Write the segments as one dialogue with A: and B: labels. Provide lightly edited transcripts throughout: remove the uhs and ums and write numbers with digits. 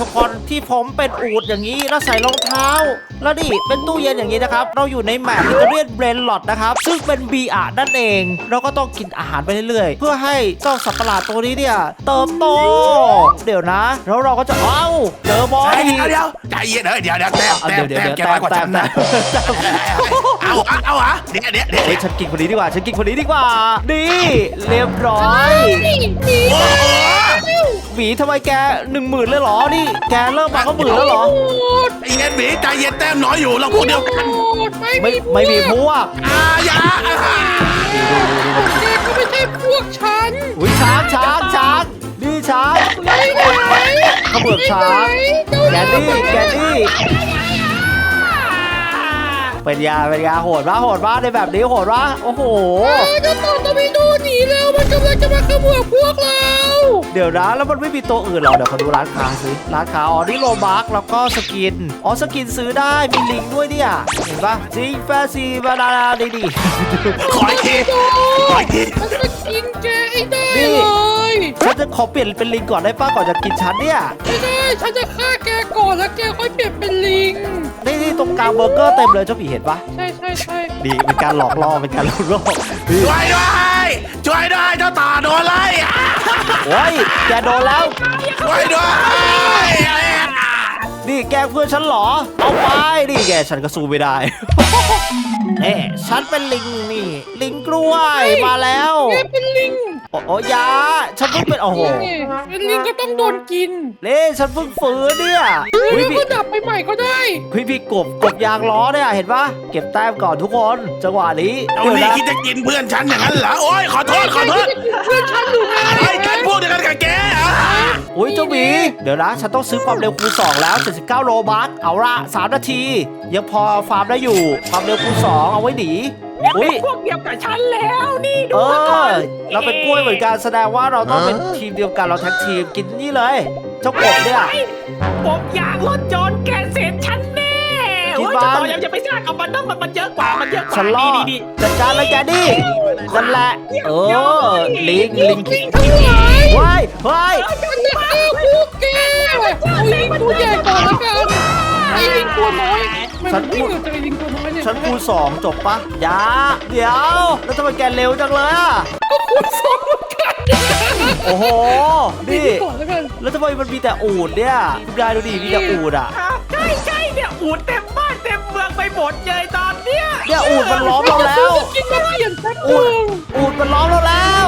A: ทุกคนที่ผมเป็นอูฐอย่างนี้แล้วใส่รองเท้าแล้วนี่เป็นตู้เย็นอย่างนี้นะครับเราอยู่ในแมปอิตาเลียนเบรนล็อตนะครับซึ่งเป็นบีอานั่นเองเราก็ต้องกินอาหารไปเรื่อยๆเพื่อให้เจ้าสัตว์ประหลาดตัวนี้เนี่ยเติบโตเดี๋ยวนะแล้วเราก็จะเจอบอล
B: เดี๋ยวใจเย็นเดี๋ยวแต้มแกน้อยกว่าฉันนะเอาเดี๋ยว
A: ฉันกินคนนี้ดีกว่านี่เรียบร้อยหมีทำไมแก10,000เลยเหรอนี่แกเริ่มมาก็10,000แล้วเหรอ
B: ไอ้เงินหมีใจเย็นแต้มน้อยอยู่เราพวกเดียวกัน
A: ไม่มีพวก
B: อย่า
C: แกก็ไม่ใช่พวกฉัน
A: อุ้ยช้างนี่ช้างเขาเบิกช้างแกนี่เป็นยาโหดวะในแบบนี้โหดวะโอ้โห
C: จะต่อตะวิโดหนีแล้วมันกำลังจะมาขโมยพวกเรา
A: เดี๋ยวนะแล้วมันไม่มีตัวอื่นหรอเดี๋ยวขอดูร้านค้าซื้อร้านค้านี่โลบัคแล้วก็สกินสกินซื้อได้มีลิงด้วยเนี่ยเห็นปะซิงแฟซีบานาดี
B: ขออีกที
C: มันจะกินแกได้เลย
A: ฉันจะขอเปลี่ยนเป็นลิงก่อนได้ป้าก่อนจะกินฉันเนี่ย
C: ไม่ได้ฉันจะฆ่าแกก่อนแล้วแกค่อยเปลี่ยนเป็นลิง
A: นี่ตรงกลางเบอร์เกอร์เต็มเลยเจ้าผีเห็นปะ
C: ใช่
A: ดีเป็นการหลอกล่อ
B: ช่วยด้วยเจ้าตาโดนไล่
A: โอ้ยแกโดนแล้ว
B: ช่วยด้วย
A: นี่แกเพื่อนฉันเหรอเอาไปนี่แกฉันก็สู้ไม่ได้ฉันเป็นลิงนี่ลิงกล้วยมาแล้ว
C: แกเป็นลิง
A: ยาฉันเพิ่งเป็นโอ้โห
C: เป็นลิงก็ต้องโดนกิน
A: ฉันเพิ่งฟื้นเนี่ย
C: ก็ดับไปใหม่ก็ได้
A: พี่กบยางล้อเนี่ยเห็นปะเก็บแต้มก่อนทุกคนจังหวะนี้
B: เอานี่คิดจะกินเพื่อนฉันอย่างนั้นเหรอโอ้ยขอโทษ
C: เพื่อนฉันอยู่ไหน
B: กันพูดเดียวกันกับแก
A: เจ้าหมีเดี๋ยวนะฉันต้องซื้อความเร็วคูณ2แล้ว79โลบัคเอาละ3 นาทียังพอฟาร์มได้อยู่ความเร็วคูณ2เอาไว้หนี
D: เป็นพวกเดียวกับฉันแล้วนี่ดูก่อน
A: เราเป็นกล้วยเหมือนกันแสดงว่าเราต้องเป็นทีมเดียวกันเราแท็กทีมกินนี่เลยเจ้ากบเนี่ย
D: ผมอยากรถจนแกเสร็จฉันแน่จะต่อยังจะไปสร้างกับมันต้องมันเยอะกว่า
A: ฉันรอดีจัดการเลยแกดินั่นแหละลิง
C: ทั้งหลาย
A: ว้าย
C: มันจะฆ่าพวกแกเอาลิงตัวใหญ่ก่อนแล้วกันไอ้ลิงตัวน้อยมันไม่เกิดจากไอ้ลิงตัวน้อยเนี่ย
A: ฉันคูณ2จบปะยาเดี๋ยวแล้วทำไมแกเร็วจังเลย
C: ก็คูณ2เหมือนกัน
A: โอ้โหนี่แล้วทำไมมันมีแต่อูฐเนี่ยคุณยายดูดิมีแต่อูฐ
D: ใช่เนี่ยอูฐเต็มบ้านเต็มเมืองไปหมดเลยตอนเนี้ย
A: อูฐมันล้อมเราแล้วอูฐมันล้อมเราแล้ว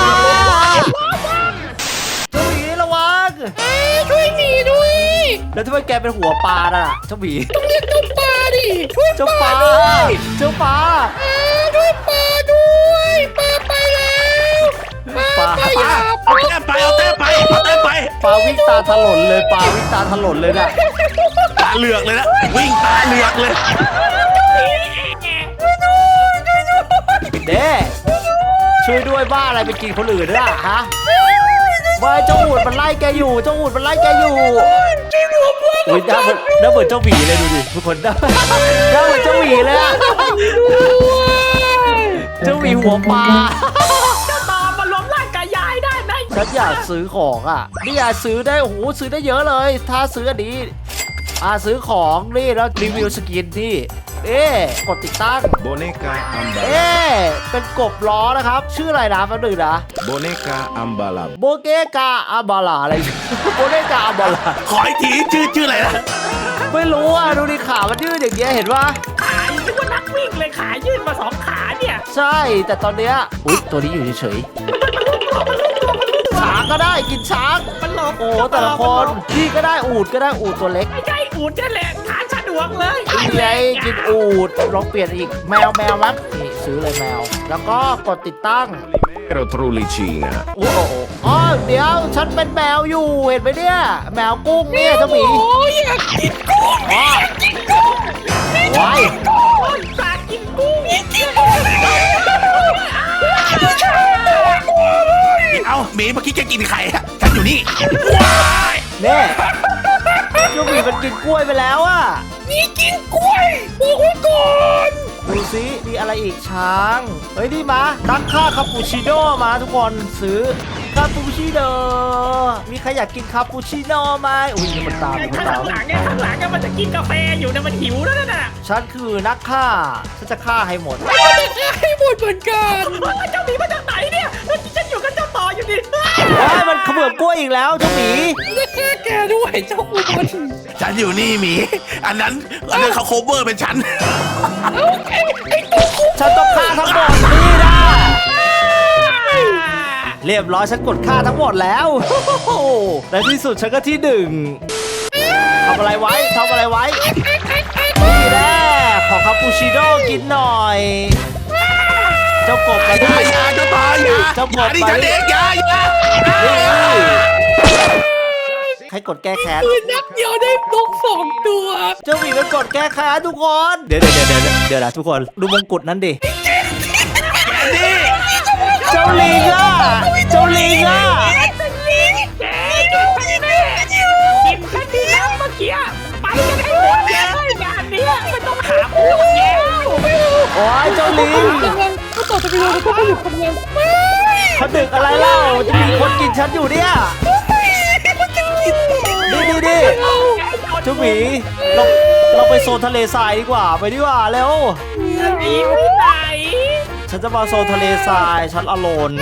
A: เจ้าหมีระวัง
C: ช่วยหมีด้วย
A: แล้วทำไมแกเป็นหัวปลาน่ะเจ้าหมี
C: ต้องเรียกเจ้าปลาดิ
A: เจ้าปลา
C: ช่วยปลาด้วยปลาไปแล้วปลา
B: เอาแต้มไปป
A: ลาวิ่งตาถลนเลยนะ
B: ตาเหลือกเลยนะวิ่งตาเหลือกเลย
A: ช่วยด้วยบ้าอะไรไปกินคนอื่นด้วยฮะว่าเจ้าอูฐมันไล่แกอยู่อุ้ยน่าเหมือนเจ้าหมีเลยดูดิทุกคนน่าเหมือนเจ้าหมีเลยเจ้าหมีหัวปลา
D: จะต่อมาล้มร่างกายยายได้ไหม
A: ฉันอยากซื้อของนี่อยากซื้อได้โอ้โหซื้อได้เยอะเลยถ้าซื้ออันนี้ซื้อของนี่แล้วรีวิวสกินนี่กดติดตั้ง
E: โบเนกาอัมบาลา
A: เป็นกบล้อนะครับชื่ออะไรนะแป๊บนึงนะ
E: โบเนกาอัมบาลา
A: โบเกกาอัมบาลาอะไรโบเนกาอัมบาลา
B: ขออีกทีชื่ออะไรนะ
A: ไม่รู้ดูดิขามันยืดอย่างเงี้ยเห็นปะ
D: ขานึกว่านักวิ่งเลยขายืดมา2 ขาเนี่ย
A: ใช่แต่ตอนเนี้ยตัวนี้อยู่เฉยช้างก็ได้กินช้าง
D: มันหลบ
A: โอ้แต่ละคนพี่ก็ได้อูฐตัวเล็ก
D: ไม่ใช่อูฐนั่นแหละขาสะดวกเลย
A: นี่ไงกินอูฐลองเปลี่ยนอีกแมวมั้งนี่ซื้อเลยแมวแล้วก็กดติดตั้งโอ้โหเดี๋ยวฉันเป็นแมวอยู่เห็นไหมเนี่ยแมวกุ้งเนี่ยเจ้าหมี
C: อยากกินกุ้ง
A: ว้าย
D: อยากกินกุ้ง
B: เอาหมีเมื่อกี้จะกินไข่ฉันอยู่นี่
A: เนี่ยเจ้าหมีมันกินกล้วยไปแล้ว
C: นี่กินกล้วยบอกไว้ก่อน
A: ดูซิมีอะไรอีกช้างเฮ้ยนี่มาดักค่าคาปูชิโน่มาทุกคนซื้อคาปูชิโน่มีใครอยากกินคาปูชิโน่ไหมอุ้ยมันตามมัน
D: ข้าง
A: ตาม
D: หลังเนี่ยข้างหลังเนี่ยมันจะกินกาแฟอยู่นะมันหิวแล้วน่ะ
A: ฉันคือนักฆ่าฉันจะฆ่าให้หมด
C: ให้หมดเหมือนกัน
D: เจ้าหมีมาจากไหนเนี่ยฉันอยู่กับเจ้าต่ออยู่ดิ
A: ว้ายมันเขมือบกล้วยอีกแล้วเจ้าหมี
C: จะฆ่าแกด้วยเจ้าอุบล
B: ฉันอยู่นี่หมีอันนั้นเขาโคเวอร์เป็นฉัน
A: ฉันต้องฆ่าทั้งหมดนี่นะเรียบร้อยฉันกดฆ่าทั้งหมดแล้วในที่สุดฉันก็ที่หนึ่งทำอะไรไว้นี่แหละขอคาปูชิโน่กินหน่อยเจ้ากบไปดิ
B: อย่าเจ้าต่ออย่า
A: เจ้ากบ
B: อย่าดิ
A: ไป
B: ฉันเองอย่า
A: ใครกดแก้แค้น
C: ปืนนัดเดียวได้นก2 ตัว
A: เจ้าหมีมันกดแก้แค้นทุกคน เดี๋ยวนะทุกคนดูมงกุฎนั้นดิ
B: นี่
A: เจ้าลิงอ่ะ
D: กินฉันดีนะเมื่อกี้ไปกันให้หมดเลยงานนี้ไม่ต้องหาพวกแล้ว
A: โอ้ยเจ้าลิง
C: กำลังก็ต่อจะไปดูแล้วก็อยู่กำลังไม่
A: เขาดึกอะไรเล่าจะมีคนกินฉันอยู่เนี่ยนี่เจ้าหมีเราไปโซนทะเลทรายดีกว่าไปดีกว่าเร็ว
D: หนีไปไหน
A: ฉันจะมาโซนทะเลทรายฉันอโลน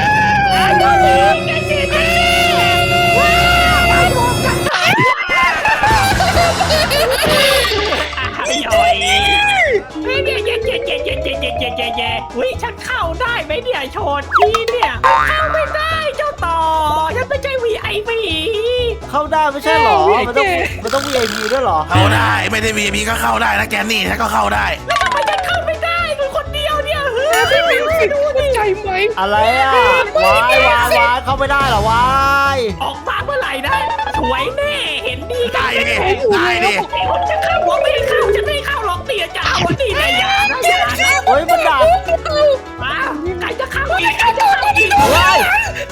D: อุ้ยฉันเข้าได้ไหมเนี่ยโชดที่เนี่ยเข้าไม่ได้เจ้าต่อฉันไม่ใช่ VIP
A: เข้าได้ไม่ใช่หรอมันต้อง VIP ด้วยหรอ
B: เข้าได้ไม่ได้ VIP ก็เข้าได้นะแกนี่ฉันก็เข้าได้
D: แล้วทำไมฉันเข้าไม่ได้คือคนเดียวเนี่ยเฮ้
C: ไม่
D: ย
C: มีสิทธิ์เข้าใจไหม
A: อะไรอ่ะวายเข้าไม่ได้เหรอวาย
D: ออกมาเมื่อไหร่นะสวยแน่เห็นดีกั
B: ได้
D: น
B: ดิได้ดิ
D: จะเข้าหัวไม่เข้าฉันไม่เข้าหรอกเตี๋ยจะเอาวันนี้นะอย่านะอย่านะ
A: เฮ้ยมันดัก
D: มาใครจะเข้าอีกใครจะเข้าอีก
A: ว้าย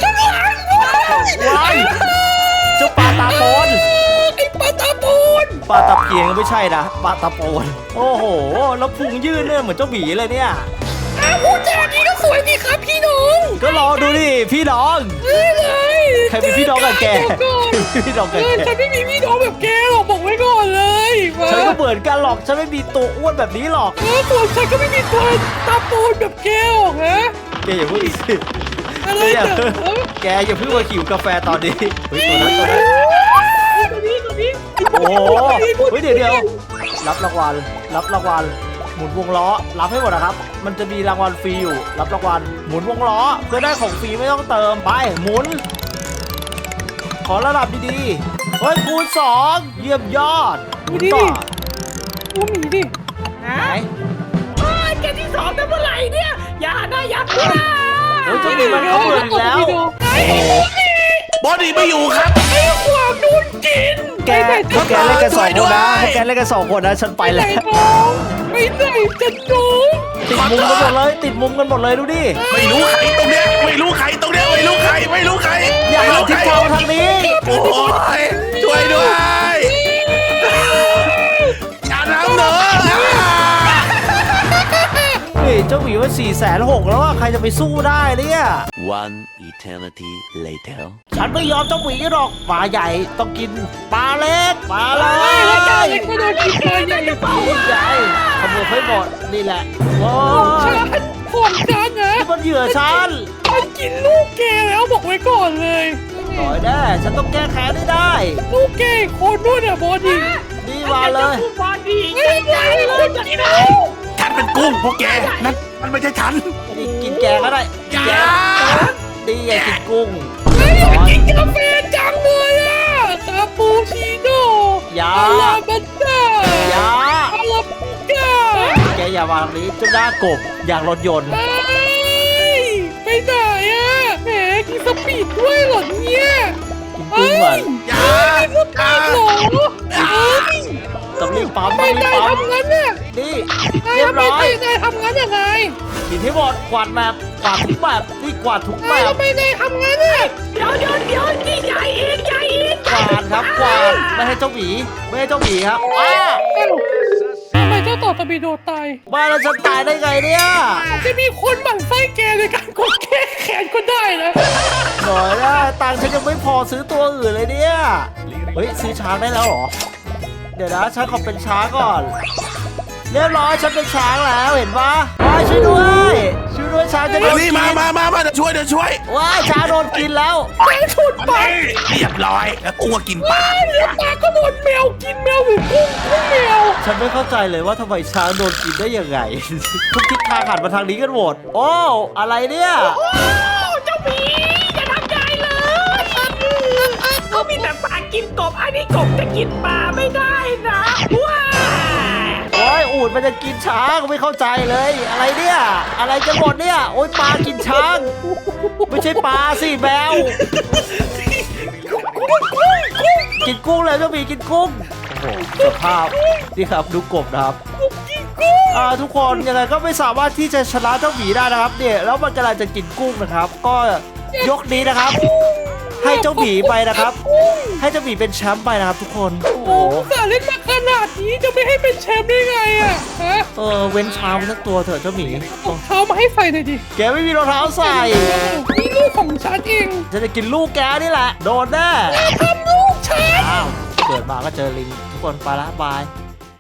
A: เจ้าปลาตาโปน
C: ไอ้ปลาตาปูน
A: ปลาตะเพียงไม่ใช่นะปลาตะโปนโอ้โหแล้วพุงยื่นเนี่ยเหมือนเจ้าหมีเลยเนี่ย
C: พูดจานี้ก็สวยดีครับพี่น้อง
A: ก็รอดูดิพี่น้อง
C: เลย
A: ใครเป็นพี่น้องกับแกพี่น้องกับแก
C: ฉันไม่มีพี่น้องแบบแกหรอกบอกไว้ก่อนเลยมา
A: ฉันก็เหมือนกันหรอกฉันไม่มีตัวอ้วนแบบนี้หรอก
C: ตัวฉันก็ไม่มีตัวตาปูนแบบแกหรอกนะ
A: แกอย่าเพิ่งสิ
C: อะไร
A: แก
C: แต่
A: อย่าเพิ่งมาขิวกาแฟตอนนี้เฮ้ยตัวนั้น
D: ตัวนี้
A: โอ้โหเฮ้ยเดี๋ยวรับรางวัลหมุนวงล้อรับให้หมดนะครับมันจะมีรางวัลฟรีอยู่รับรางวัลหมุนวงล้อเพื่อได้ของฟรีไม่ต้องเติมไปหมุน ขอระดับดีๆเฮ้ยคูณ2เยี่ยมยอดหมุนต่อ
C: ตัวหมีดิ
A: ไหน
D: โอ้ยแกที่สองแต่เมื่อไหร่เนี่ยอย่านะอย่าพูดนะ
A: เฮ้ยเจ้าหมีมันเขาเบื่ออีกแล้ว
B: บอดี้ไม่อยู่ครับ
C: ไอ้ความโดนกิน
A: แกพวกแกเล่นกัน2 คนนะพวกแกเล่นกัน2 คนนะฉันไป
C: ไปไหน
A: แล้ว
C: น้องไปไหนจะน้อง
A: ติดมุมกันหมดเลยติดมุมกันหมดเลยดูดิ
B: ไม่รู้ใครตรงเนี้ยไม่รู้ใครตรงเนี้ยไม่รู้ใคร
A: อย่าหันทิศทางทางนี้
B: โอ้ยช่วยด้วยอย่าทำเนอะ
A: นี่เจ้าหมีว่า460,000แล้วว่าใครจะไปสู้ได้เนี่ย
E: One eternity later.
A: ฉันไม่ยอมเจ้าหมีหรอกปลาใหญ่ต้องกินปลาเล็กปลาเล็
C: แล้ว
A: ก
C: จ้าเล็กก็โดนกินเลยใหญ่
A: ใหญ่ขโมยให้หมดนี่แหละโอ้
C: ของฉันนะ
A: นี่มันเหยื่อฉัน
C: มันกินลูกแกแล้วบอกไว้ก่อนเลย
A: ต่อยแน่ฉันต้องแก้แค้นให้ได้
C: ลูกแกโคนนู่นอ่ะบอดี้
A: นี่มาเลย
D: บอดี้
C: ไม่ได้คนกินแล้ว
B: ฉันเป็นกุ้งพวกแกนั่นมันไม่ใช่ฉัน
A: นี่กินแกก็ได้
B: อย่า
A: แกนี่ไงกินกุ้ง
C: อยากกินกาแฟจังเลยอ่ะคาปูชิโน่
A: อย่า
C: อาลาบัตต้า
A: อย่า
C: อาลาปิก้า
A: แกอย่าวางนี้เจ้าหน้ากบอย่างรถยนต์
C: ไปไหนอ่ะแหมกินสปีดด้วยเหรอเนี่ย
A: กินกุ้งก่อน
B: อย่า
C: กินสปีดเหรอเฮ้ย
A: ต้องรีบปั๊ม
C: ไม่
A: ต้องรีบ
C: ได้
A: ปั๊ม
C: ทำงั้นเนี่ย
A: นี่
C: นาย
A: เรียบ
C: ทำไม
A: ร้อย
C: นายทำงั้นยังไง
A: กินให้หมดกวาดแบบกวาดทุกแบบนี่กวาดทุกแบ
C: นาย
A: บ
C: ทำไมนายทำงั้นเนี่ย
D: เดี๋ยวนี่ใหญ่อีก
A: กวาดครับกวาดไม่ให้เจ้าหมีไม่ให้เจ้าหมีครับอ้า
C: ทำไมเจ้าต่อตะบีโดตาย
A: บ้านเราจะตายได้ไงเนี่ย
C: อาจจะมีคนหมั่นไส้แกในการกดแก้แขนก็ได้นะ
A: หน่อยนะตังค์ฉันยังไม่พอซื้อตัวอื่นเลยเนี่ยเฮ้ยซื้อช้างได้แล้วเหรอเดี๋ยวนะฉันขอเป็นช้างก่อนเรียบร้อยฉันเป็นช้างแล้วเห็นปะว้ายช่วยด้วยช้างจะโดน
B: นี่
A: กิน
B: มาเดี๋ยวช่วย
A: ว้ายช้างโดนกินแล้ว
C: แกฉุดปาก
B: เรียบร้อยแล้วกุ้งก็กินปลา
C: เลี้ยงปลาก็โดนแมวกินแมวหรือกุ้งแมว
A: ฉันไม่เข้าใจเลยว่าทำไมช้างโดนกินได้ยังไง ทุกทิศทางหันมาทางนี้กันหมดโอ้อะไรเนี่ย
D: โอ้เจ้าหมีอย่าทำยายเลยเขามีแต่ปลากินกบอันนี้กบจะกินปลาไม่ได้นะว้า
A: โอ้ยอูฐมันจะกินช้างไม่เข้าใจเลย อะไรเนี่ยอะไรจะหมดเนี่ยโอ้ยปลากินช้าง ไม่ใช่ปลาสิแมวกินกุ้งเลยเจ้าหมีกินกุ้งโอ้โหสภาพนี่ครับดูกบนะครับทุกคนยังไงก็ไม่สามารถที่จะชนะเจ้าหมีได้นะครับเนี่ยแล้วมันกำลังจะกินกุ้งนะครับ ก็ยกนี้นะครับ ให้เจ้าหมีไปนะครับ ให้เจ้าหมีเป็นแชมป์ไปนะครับ ทุกคนโอ้โห
C: โอ้สาเล่นมาขนาดนี้จะไม่ให้เป็นแชมป์ได้ไงอ่ะฮะ
A: เว้นช้างไปสักตัวเถอะเจ้าหมี
C: เอาเท้ามาให้ใส่หน่อยดิ
A: แกไม่มีรองเท้าใส่
C: นี่ลูกของฉันเอง
A: ฉันจะกินลูกแกนี่แหละโดนแน่
C: ทำลูกฉัน
A: อ้าวเกิดมาก็เจอลิงทุกคนไปละบาย